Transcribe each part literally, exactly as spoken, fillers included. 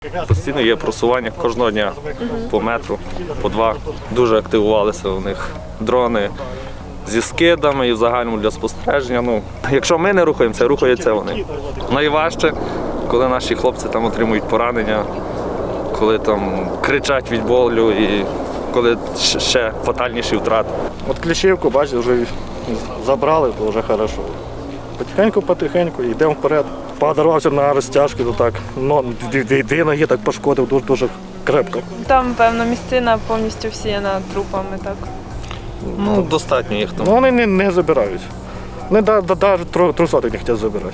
Постійно є просування кожного дня по метру, по два. Дуже активувалися у них дрони зі скидами і в загальному для спостереження. Ну, якщо ми не рухаємося, рухаються вони. Найважче, коли наші хлопці там отримують поранення, коли там кричать від болю і коли ще фатальніші втрати. От Кліщівку, бачите, вже забрали, то вже добре. Потихеньку-потихеньку йдемо вперед. Подарувався на розтяжки, то так, ну, дві ноги так пошкодив дуже, дуже крепко. Там, певно, місцина повністю всіяна трупами, так? Ну, достатньо їх там. Ну, вони не, не забирають. Не навіть трусотих не хочуть забирати.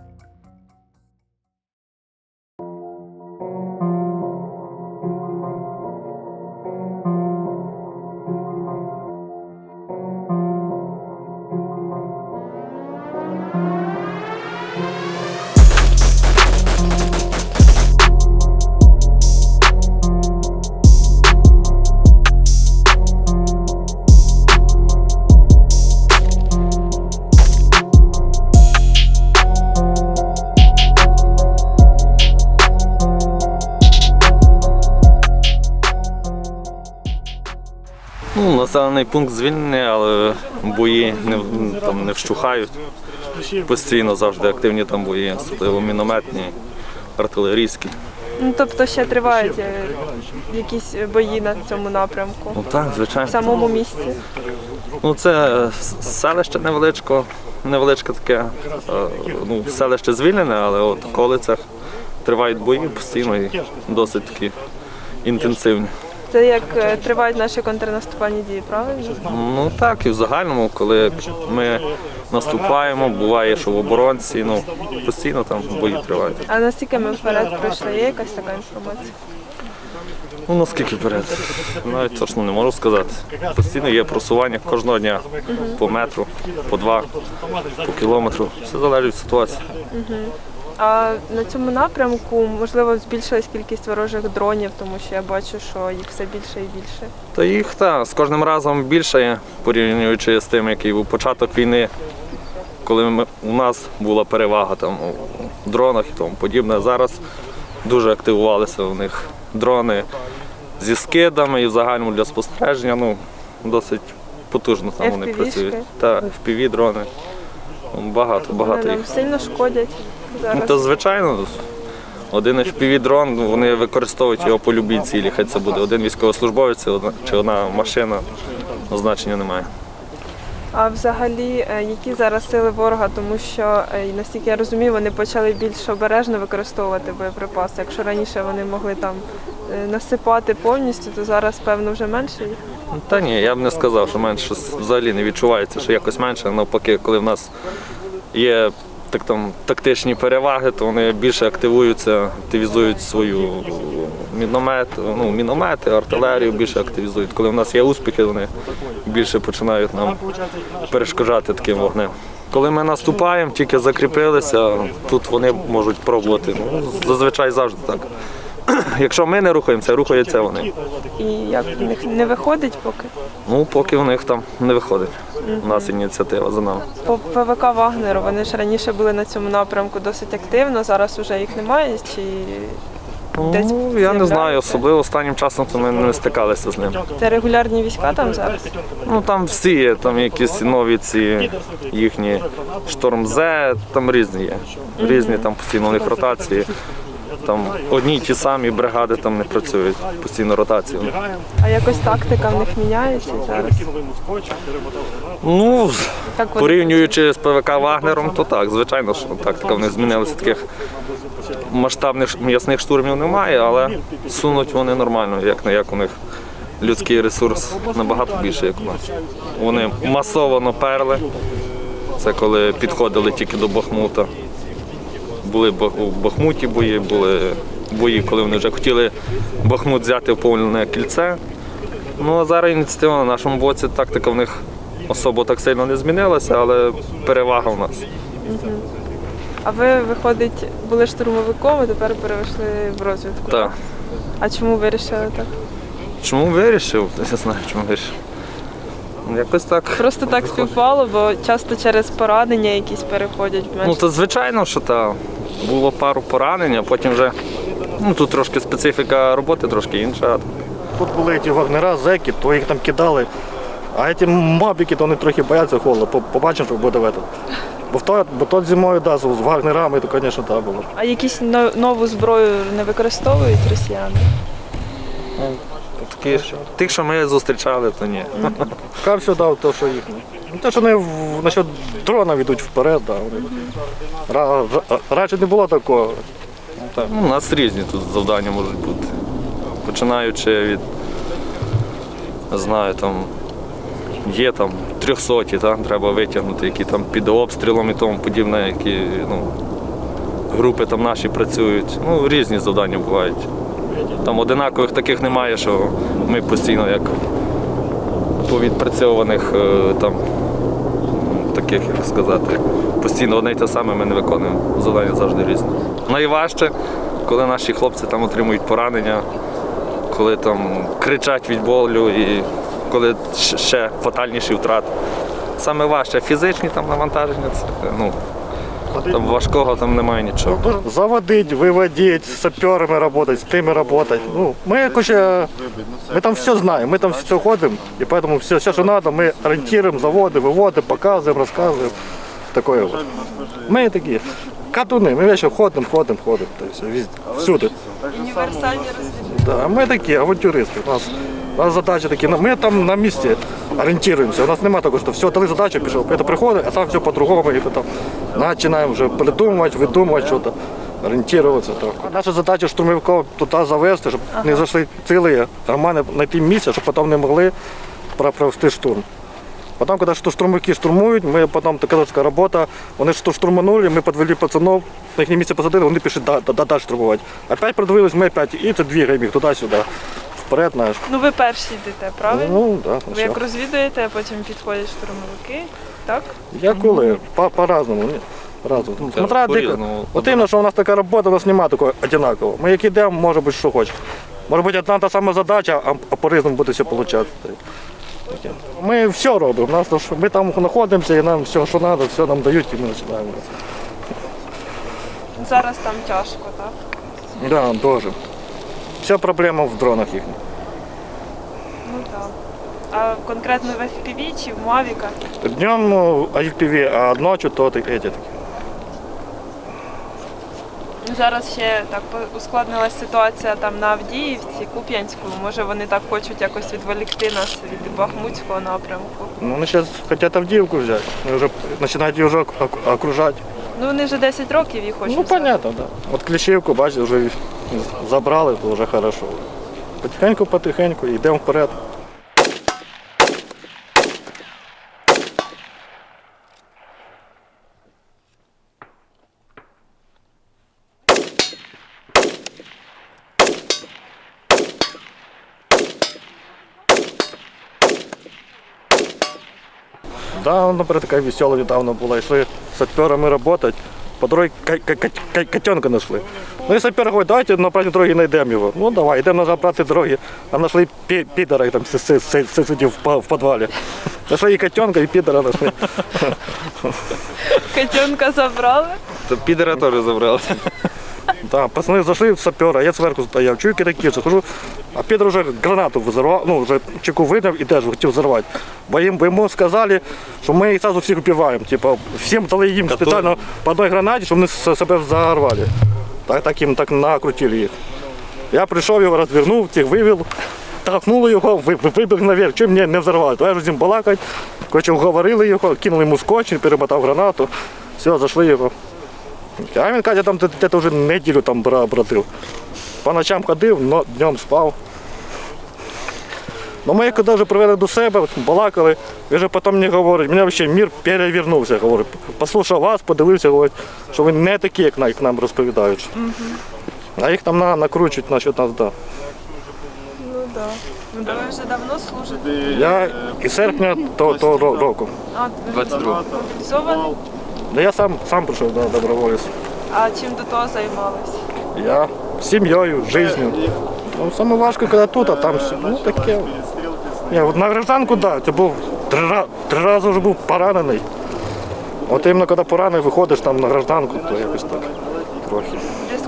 Ну, населений пункт звільнений, але бої не, там, не вщухають. Постійно завжди активні там бої, особливо мінометні, артилерійські. Ну, тобто ще тривають е, якісь бої на цьому напрямку? Ну так, звичайно. В самому місті? Ну, це селище невеличко, невеличке таке, ну, селище звільнене, але от в околицях тривають бої постійно і досить такі інтенсивні. Це як е, тривають наші контрнаступальні дії, правильно? Ну так, і в загальному, коли ми наступаємо, буває, що в оборонці, ну, постійно там бої тривають. А наскільки ми вперед пройшли? Є якась така інформація? Ну, наскільки вперед? Навіть точно не можу сказати. Постійно є просування кожного дня по метру, по два, по кілометру. Все залежить від ситуації. А на цьому напрямку, можливо, збільшилась кількість ворожих дронів, тому що я бачу, що їх все більше і більше. Та їх та, з кожним разом більше є, порівнюючи з тим, який був початок війни, коли ми, у нас була перевага там, у дронах і тому подібне. Зараз дуже активувалися у них дрони зі скидами і в загальному для спостереження. Ну, досить потужно там вони еф пі ві-шки? працюють. Та, еф пі ві дрони. Багато, багато Вони їх. нам сильно шкодять зараз. Ну, то звичайно, один еф пі ві дрон, вони використовують його по любій цілі. Хай це буде один військовослужбовець чи одна машина, значення немає. А взагалі, е, які зараз сили ворога, тому що, е, наскільки я розумію, вони почали більш обережно використовувати боєприпаси. Якщо раніше вони могли там е, насипати повністю, то зараз, певно, вже менше їх. Ну, та ні, я б не сказав, що менше взагалі не відчувається, що якось менше. Навпаки, коли в нас є так, там, тактичні переваги, то вони більше активуються, активізують свою міномет, ну, міномети, артилерію більше активізують. Коли в нас є успіхи, вони більше починають нам перешкоджати таким вогнем. Коли ми наступаємо, тільки закріпилися, тут вони можуть пробувати. Ну, зазвичай завжди так. Якщо ми не рухаємося, рухаються вони. І як в них не виходить поки? Ну, поки в них там не виходить. У нас ініціатива за нами. По пе вэ ка «Вагнеру» вони ж раніше були на цьому напрямку досить активно, зараз вже їх немає? Чи десь Ну, я не з'являються? знаю, особливо останнім часом то ми не стикалися з ним. Це регулярні війська там зараз? Ну, там всі є, там якісь нові ці їхні Шторм Зе, там різні є. Різні, там постійно у них ротації. Там одні й ті самі бригади там не працюють, постійно ротації. А якось тактика в них міняється зараз? Ну, Так вони- порівнюючи з пе вэ ка «Вагнером», то так, звичайно, що тактика в них змінилася. Таких масштабних м'ясних штурмів немає, але сунуть вони нормально, як не як у них людський ресурс набагато більше, як у нас. Вони масово наперли, це коли підходили тільки до Бахмута. Були у Бахмуті бої, були бої, коли вони вже хотіли Бахмут взяти в повне кільце. Ну а зараз ініціатива на нашому боці, тактика в них особо так сильно не змінилася, але перевага в нас. А ви, виходить, були штурмовиком, а тепер перейшли в розвідку? Так. А чому вирішили так? Чому вирішив? Я не знаю, чому вирішив. Якось так. Просто так співпало, бо часто через поранення якісь переходять в менш. Ну, то звичайно, що так. Було пару поранень, а потім вже Ну, тут трошки специфіка роботи, трошки інша. Тут були ті вагнера, зеки, то їх там кидали. А ці мобіки, то вони трохи бояться холоду. По- Побачимо, що буде в этом. Бо в то, бо то зимою, да, з з вагнерами, то, звісно, так було. А якісь но- нову зброю не використовують росіяни? Такі, ж- тих, що ми зустрічали, то ні. Поки все дав, то, що їхнє. Ну, те, що вони в- насчет дрона йдуть вперед, да, вони. Ра- ра- Раніше не було такого. Ну, у нас різні тут завдання можуть бути. Починаючи від, не знаю, там є там трьохсоті, та, треба витягнути, які там під обстрілом і тому подібне, які ну, групи там наші працюють. Ну, різні завдання бувають. Там одинакових таких немає, що ми постійно як по відпрацьованих е, там таких, як сказати, постійно одне й те саме ми не виконуємо. Завдання завжди різні. Найважче, коли наші хлопці там отримують поранення, коли там кричать від болю і коли щ- ще фатальніші втрати. Саме важче фізичні там навантаження, це, ну, там важкого там немає нічого. Заводить, виводить, з саперами працювати, з тими працювати. Ну, ми, короче, ми там все знаємо, ми там все ходимо, і тому все, все, що треба, ми орієнтуємо, заводимо, виводимо, показуємо, розказуємо. Такое вот. Ми такі катуни, ми вечно ходимо, ходимо, ходимо, та й все, везде, всюди. Універсальні розвідки. Да, ми такі авантюристи. У нас, у нас задачі такі, ми там на місці орієнтуємося. У нас немає такого, що все, дали задачу, пішов. Це приходить, а там все по-другому. І потім починаємо вже придумувати, видумувати щось, орієнтуватися. Так. Наша задача штурмовиків туди завести, щоб не зайшли цілі, нормально знайти місце, щоб потім не могли про- провести штурм. Потім, коли що штурмовики штурмують, ми потім така така робота, вони що штурманули, ми підвели пацанов, на їхнє місце посадили, вони пішли да- да- далі штурмувати. Опять продвинулись, ми опять, і це двігаємо їх туди-сюди, вперед, знаєш. Ну ви перші йдете, правильно? Ну, да, Ви як все. розвідуєте, а потім підходять штурмовики, так? Я коли, по- по-разному, ні. По-разному. Ну, Це Смотря дико. по-різному. От іменно, що у нас така робота, у нас немає такого однакового. Ми як йдемо, може бути, що хочемо. Може бути одна та сама задача, а, а по-різному буде все виходити. Ми все робимо. У Нас, то, що ми там знаходимося і нам все, що треба, все нам дають і ми починаємо. Зараз там тяжко, так? Да, дуже. Вся проблема в дронах їхніх. Ну так. А конкретно в еф пі ві чи в Мавіках? Днем ну, ай пі ві, а ночі то ті такі. Ну, зараз ще так по- ускладнилась ситуація там на Авдіївці, Куп'янську. Може вони так хочуть якось відволікти нас від Бахмутського напрямку. Ну, вони зараз хочуть Авдіївку взяти. Вони вже починають її вже ок- окружати. Ну вони вже десять років їх хочуть. Ну, взяти. понятно, да. От Кліщівку, бачите, вже забрали, то вже хорошо. Потихеньку, потихеньку, йдемо вперед. Да, наприклад, така весела недавно була. Йшли з саперами працювати, по дорозі котенка знайшли. Ну і сапер говорить, давайте на правій дорогі знайдемо його. Ну давай, йдемо на правій дорогі, а знайшли пі- підора, там си- си- си- си- сидів в па- в підвалі. Знайшли і котенка, і підора знайшли. Котенка забрали. То підера теж забрали. Да, пацани зайшли в сапера, я зверху стояв, чую кидаківці, хожу, а Підер вже гранату взорвав, ну, вже чеку виняв і теж хотів взорвати. Бо їм, бо йому сказали, що ми їх одразу всіх вбиваємо. Типу, всім дали їм спеціально по одній гранаті, щоб вони с- себе взорвали. Так, так їм так накрутили їх. Я прийшов, його розвернув, тих вивів, толкнули його, ви- ви- вибіг наверх, чим мені не взорвали. То я вже з ним балакать, коротше, уговорили його, кинули йому скотч, він перемотав гранату, все, зайшли його. А він каже, там десь вже неділю там бра- бродив. По ночам ходив, но днем спав. Ну ми коли вже привели до себе, балакали, він вже потім мені говорить, мене взагалі мір перевернувся, говорить. Послухав вас, подивився, говорить, що ви не такі, як нам- як нам розповідають. А їх там на, накручують насчет нас, да. Ну так. Да. Ви вже давно служите? Я із серпня того, того ро- року. А, двадцять другого. мобілізований? Да я сам, сам прийшов до доброволець. А чим до того займались? Я сім'єю, життю. Ну, саме важко, коли тут, а там все. Ну таке. Ні, от на гражданку, так, да, це був три, ра- три рази вже був поранений. От іменно коли поранений, виходиш там на гражданку, то якось так трохи. В зв'язку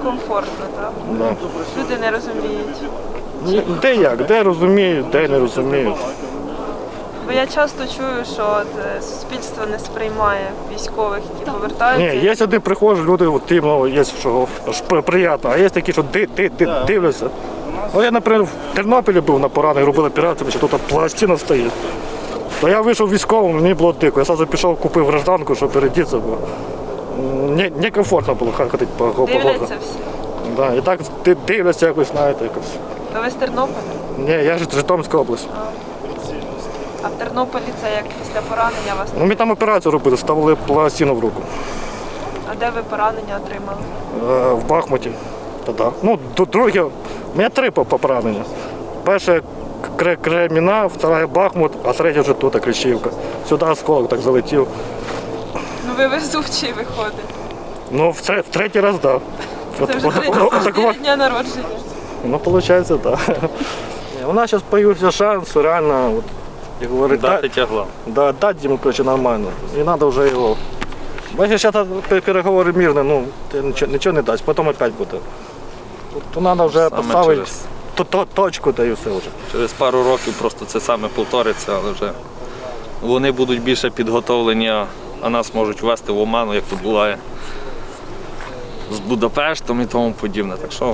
некомфортно, так? Да. Люди не розуміють. Де як, де розуміють, де не розуміють. Бо я часто чую, що от, е, суспільство не сприймає військових, які повертаються. Ні, є один приходять, люди, от, іменно, є що аж при- приємно, а є такі, що ди, ди, ди, дивляться. Ну, я, наприклад, в Тернополі був на поранених, робили операцію, що тут пластина стоїть. То я вийшов військовим, мені було дико. Я одразу пішов, купив гражданку, щоб передітися, бо не, некомфортно було ходити по по городу. Дивляться всі. Да, і так ди- дивляться якось, знаєте, якось. То ви з Тернополя? Ні, я ж з Житомирська область. А в Тернополі це як після поранення вас? Ну, ми там операцію робили, ставили пластину в руку. А де ви поранення отримали? Е, в Бахмуті. Та-да. Ну, д- друге, у мене три по- по- поранення. Перше Кре- Креміна, вторая Бахмут, а третя вже тут, Кліщівка. Сюди осколок так залетів. Ну ви везучий виходить. Ну, в, тре- в третій раз, так. Да. Це вже три чотири дня народження. Ну, виходить, так. Да. У нас зараз з'явився шанс, реально, от, як говорить, Дати да, тягла. да, дати йому, короче, нормально. І треба вже його. Бачиш, зараз переговори мирні, ну, ти нічого, нічого не дасть, потім опять буде. То треба вже Саме поставити через- то, то, точку, та і все вже. Через пару років просто це саме повториться, але вже вони будуть більше підготовлені, а- а нас можуть ввести в оману, як тут буває з Будапештом і тому подібне. Так що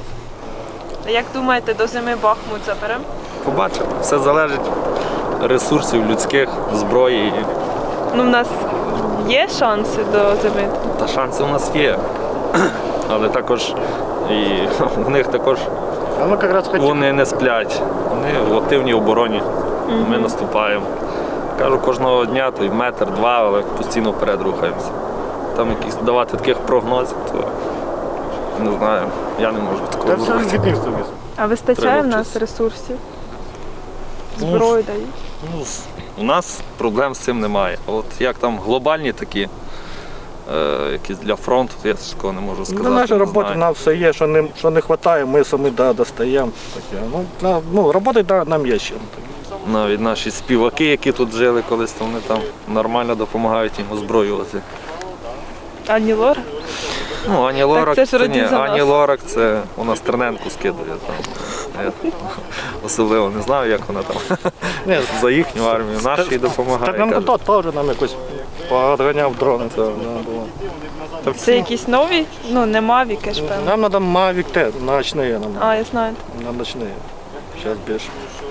А як думаєте, до зими Бахмут заберемо? побачимо. Все залежить ресурсів людських, зброї. Ну, в нас є шанси до зими. Та шанси у нас є. Але також і у них також А ми якраз хотіли. вони не сплять. Вони в активній обороні. Ми наступаємо. Кажу, кожного дня то й метр, два, але постійно вперед рухаємося. Там якісь давати таких прогнозів, то не знаю, я не можу Та такого все зробити. від них зависить. А вистачає Треба в нас вчитися. ресурсів? Ну, Зброю дають? Ну, у нас проблем з цим немає. А от як там глобальні такі, е, якісь для фронту, то я такого не можу сказати. Ну, наша не робота, знаю. нам все є, що не, що не вистачає, ми самі да, достаємо. Таке. Ну, на- ну, роботи да, нам є ще. Навіть наші співаки, які тут жили колись, то вони там нормально допомагають їм озброювати. Ані Лора? Ну, Ані Лорак, це ж ні, родні за Ані нас. Лорак це у нас Терненку скидає. Там. Я особливо не знаю, як вона там Ні, за їхню армію, нашій допомагає. Терненко кажуть. то теж нам якось подганяв дрони. Це, да, було. Це якісь нові? Ну, не Мавіки ж, певно. Нам треба Mavic Т, ночні нам. А, я знаю. На ночні. Зараз більше.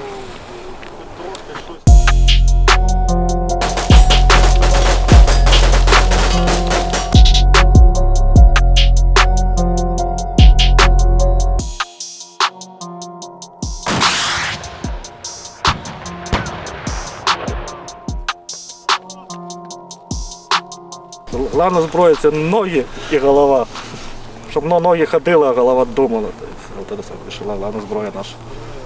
Головна зброя це ноги і голова. Щоб ну, ноги ходили, а голова думала. Тобто, це саме головна зброя наша.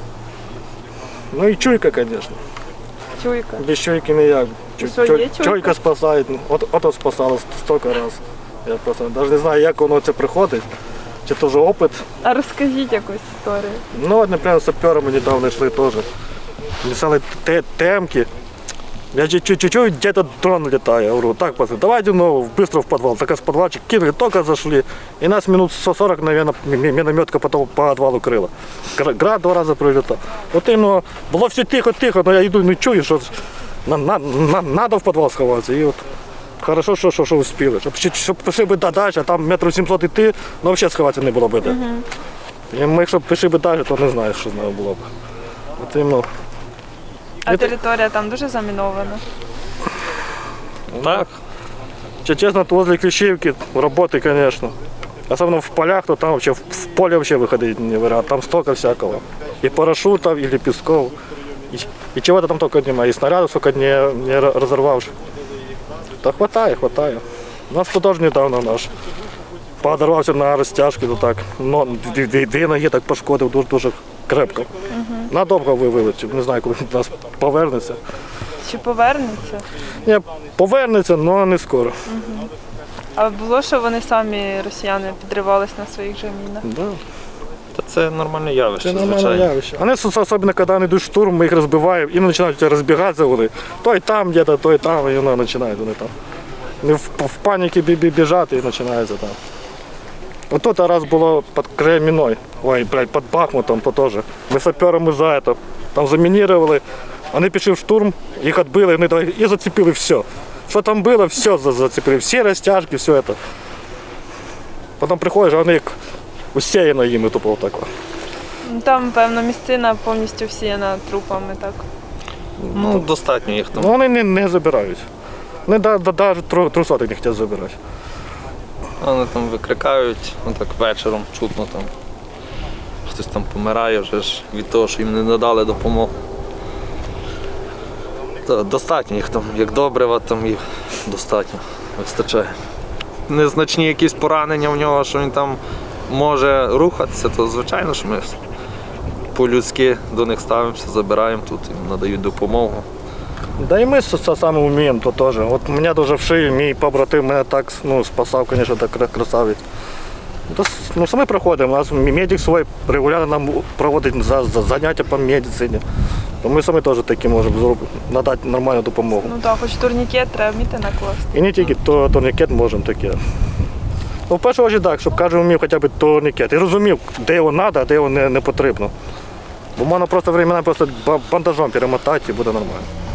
Ну і чуйка, звісно. Чуйка. Без чуйки ніяк. Чуй- що, є чуй- чуйка? Чуйка спасає. От, ото спасало стільки разів. Я просто навіть не знаю, як воно це приходить. Чи то вже опит. А розкажіть якусь історію. Ну, от, наприклад, з саперами недавно йшли теж. Лісали те- темки. Я чу- чу- чуть-чуть где-то дрон летает. Я говорю, так, пацаны, давайте ну, быстро в подвал. Так с подвальчик кинули, только зашли. И нас минут сорок, наверное, минометка потом по подвалу крыла. Гра- Град два раза прилетал. Вот именно, было все тихо-тихо, но я иду, ну чую, что на, на, на, надо в подвал сховаться. И вот хорошо, що, що, що успіли. Щоб, щоб пішли би далі, а там метрів сімсот йти, ну взагалі сховатися не було б де. І ми, якщо б пішли б далі, то не знаю, що з нами було б. От іменно. А територія там дуже замінована. Так, Че- Честно, то возле Клещевки работы, конечно. Особенно в полях, то там вообще в поле вообще выходить не вариант. Там столько всякого. И парашютов, и лепестков. И, и чего-то там только нема. И снарядов сколько не, не разорвавших. Да хватает, хватает. У нас тут тоже недавно наш подорвався на розтяжки, то так. Но дві, дві, дві ноги так пошкодив дуже, дуже крепко. Надовго вилетів. Не знаю, коли до нас повернеться. Чи повернеться? Ні, повернеться, але не скоро. А було, що вони самі, росіяни, підривались на своїх же мінах? Да. та це нормальне явище, Це нормальне звичайно. явище. Вони, особливо, коли вони йдуть в штурм, ми їх розбиваємо, і починають розбігатися вони. Той там, де-то, той там, і вони починають вони там. Вони в, в паніці бі- бі- біжати і починається там. Вот тут раз було під Креміною, ой, блядь, під Бахмутом, то теж. Ми саперами за це, там замінірували, вони пішли в штурм, їх відбили, вони давай- і зацепили все. Що там було, все за- зацепили, всі розтяжки, все це. Потім приходиш, а вони як усіяно їми тупо отак. Там, певно, місцина повністю всіяна трупами, так. Ну, достатньо їх там. Ну вони не, не забирають. Вони навіть трусотих не хочуть забирати. Вони там викрикають, ну так вечором чутно там. Хтось там помирає вже ж від того, що їм не надали допомогу. Та, достатньо їх там, як добрива, там їх достатньо, вистачає. Незначні якісь поранення в нього, що він там може рухатися, то звичайно, що ми по-людськи до них ставимося, забираємо тут, їм надають допомогу. Да і ми це саме вміємо, то теж. От мене дуже в шию, мій побратим мене так ну, спасав, звісно, так красавець. То, ну, самі проходимо, у нас медик свій регулярно нам проводить за, за заняття по медицині. То ми самі теж такі можемо зробити, надати нормальну допомогу. Ну так, хоч турнікет треба вміти накласти. І не тільки то, турнікет можемо таке. Ну, в першу чергу так, щоб кожен вмів хоча б турнікет. І розумів, де його треба, а де його не, не потрібно. Бо можна просто времена просто ба- бандажом перемотати і буде нормально.